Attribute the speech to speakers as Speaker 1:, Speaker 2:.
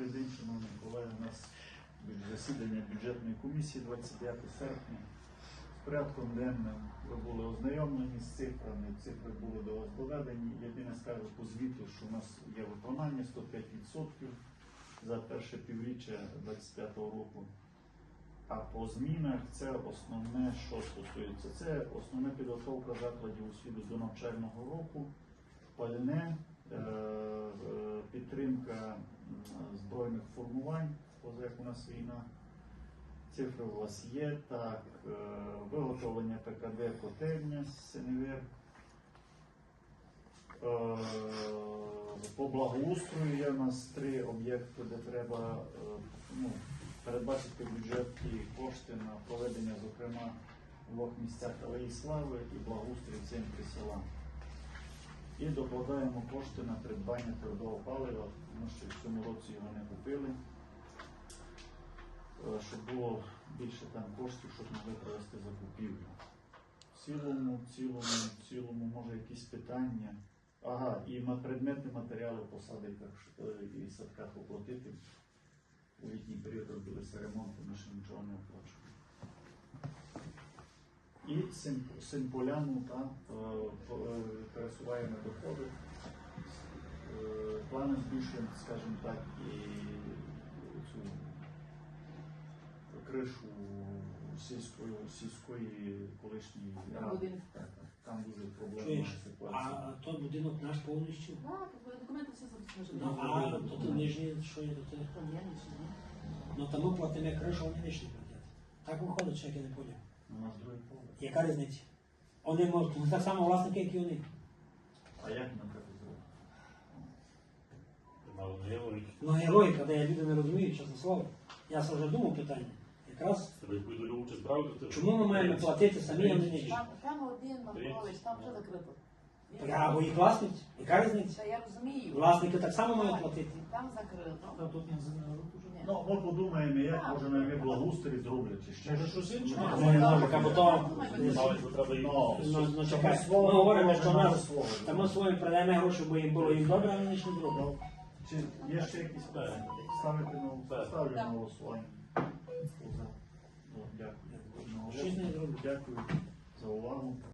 Speaker 1: Добрий день, шановні колеги. У нас засідання бюджетної комісії 29 серпня. З порядком денним ви були ознайомлені з цифрами, цифри були до вас доведені. Єдине скажу по звіту, що у нас є виконання 105% за перше півріччя 2025 року. А по змінах це основне, що стосується. Це основна підготовка закладів освіти до навчального року, пальне, підтримка збройних формувань, поза як у нас війна. Цифри у вас є. Так, виготовлення ПКД котельня з СНВР. По благоустрою є у нас 3 об'єкти, де треба передбачити в бюджеті кошти на проведення, зокрема, в 2 місцях Алеї Слави і благоустрій в центрі села. І докладаємо кошти на придбання твердого палива, тому що в цьому році його не купили, щоб було більше там коштів, щоб могли провести закупівлю. В цілому, може якісь питання. Ага, і на предметні матеріали по садиках і садках оплатити. У літній період робилися ремонти, ми ще нічого не оплачуємо. І Симполяну пересуваємо доходи. Плани збільшуємо, скажімо так, і цю кришу сільської колишньої ради. Там дуже проблемна ситуація.
Speaker 2: А той будинок наш повністю?
Speaker 3: Так, документи все забезпечені.
Speaker 2: А то нижні, що є до того? Ну там ми платимо кришу, вони нижні платять. Так виходить, що як я не поняв.
Speaker 1: У нас другий поверх.
Speaker 2: Яка різниця? Вони можуть, так само власники, як і вони.
Speaker 1: А як нам треба зробити?
Speaker 2: Ну є логіка, де люди не розуміють, чесно слово. Я вже думав питання. Якраз, чому ми маємо платити самі, а не нижні?
Speaker 3: Там один Маркович, там вже закрито.
Speaker 2: Або їх власність, яка різниця?
Speaker 3: Та я розумію.
Speaker 2: Власники так само мають платити.
Speaker 3: Там закрито.
Speaker 2: Тут не знаю.
Speaker 1: Ну, ми подумаємо, як може ми благоустрій зроблять, чи ще щось інше.
Speaker 2: Ну, не може, або то... Ну, чекай, ми говоримо, що нас, та ми своїм продаємо гроші, бо їм було їм добре, а вони ж не зроблять.
Speaker 1: Чи є ще якісь питання? Ставлю на голосування. Дякую.
Speaker 2: Щось не зроблять.
Speaker 1: Дякую за увагу.